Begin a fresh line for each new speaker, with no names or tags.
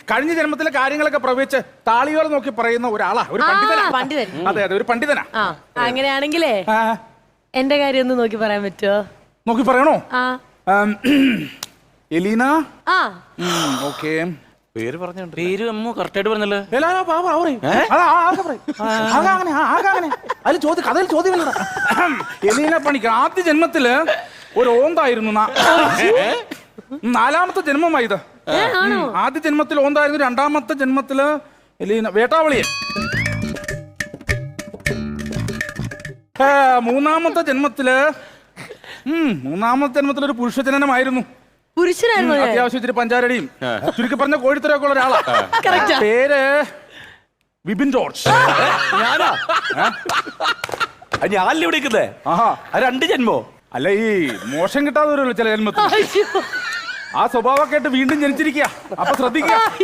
കഴിഞ്ഞ ജന്മത്തിലെ കാര്യങ്ങളൊക്കെ പ്രവചിച്ച് താളിയോല നോക്കി പറയുന്ന ഒരാളാ, ഒരു പണ്ഡിതനാ.
പണ്ഡിതൻ.
അതെ അതെ, ഒരു പണ്ഡിതനാ.
അങ്ങനെയാണെങ്കിലേ എന്റെ കാര്യം ഒന്ന് നോക്കി പറയാൻ പറ്റുമോ?
നോക്കി പറയണോ? എലീന.
ഓക്കെ, പേര് പറഞ്ഞു.
പേര് അമ്മ കറക്റ്റായിട്ട് പറഞ്ഞല്ലോ.
അതിൽ കഥയിൽ ചോദ്യമില്ല. എലീന പണിക്കർ ആദ്യ ജന്മത്തില് ഒരു ഓന്തായിരുന്നു. നാലാമത്തെ ജന്മമായത്. ആദ്യ ജന്മത്തിൽ ഓന്തായിരുന്നു, രണ്ടാമത്തെ ജന്മത്തില് എലീന വേട്ടാവളിയൻ. മൂന്നാമത്തെ ജന്മത്തില് ഒരു പുരുഷജനനമായിരുന്നു.
പുരുഷനായിരുന്നു.
അത്യാവശ്യം ഇച്ചിരി പഞ്ചാരടിയും ചുരുക്കി പറഞ്ഞ കോഴിത്തരൊക്കെ ഉള്ള ഒരാളാ. പേര് വിപിൻ ജോർജ്.
ഞാനാ? ഞാനല്ലേ വിളിക്കുന്നേ? രണ്ട് ജന്മോ?
അല്ല, ഈ മോശം കിട്ടാതെ വരുമല്ലോ ചില ജന്മത്തിൽ. ആ സ്വഭാവമൊക്കെ ആയിട്ട് വീണ്ടും ജനിച്ചിരിക്കുക. അപ്പൊ ശ്രദ്ധിക്കുക.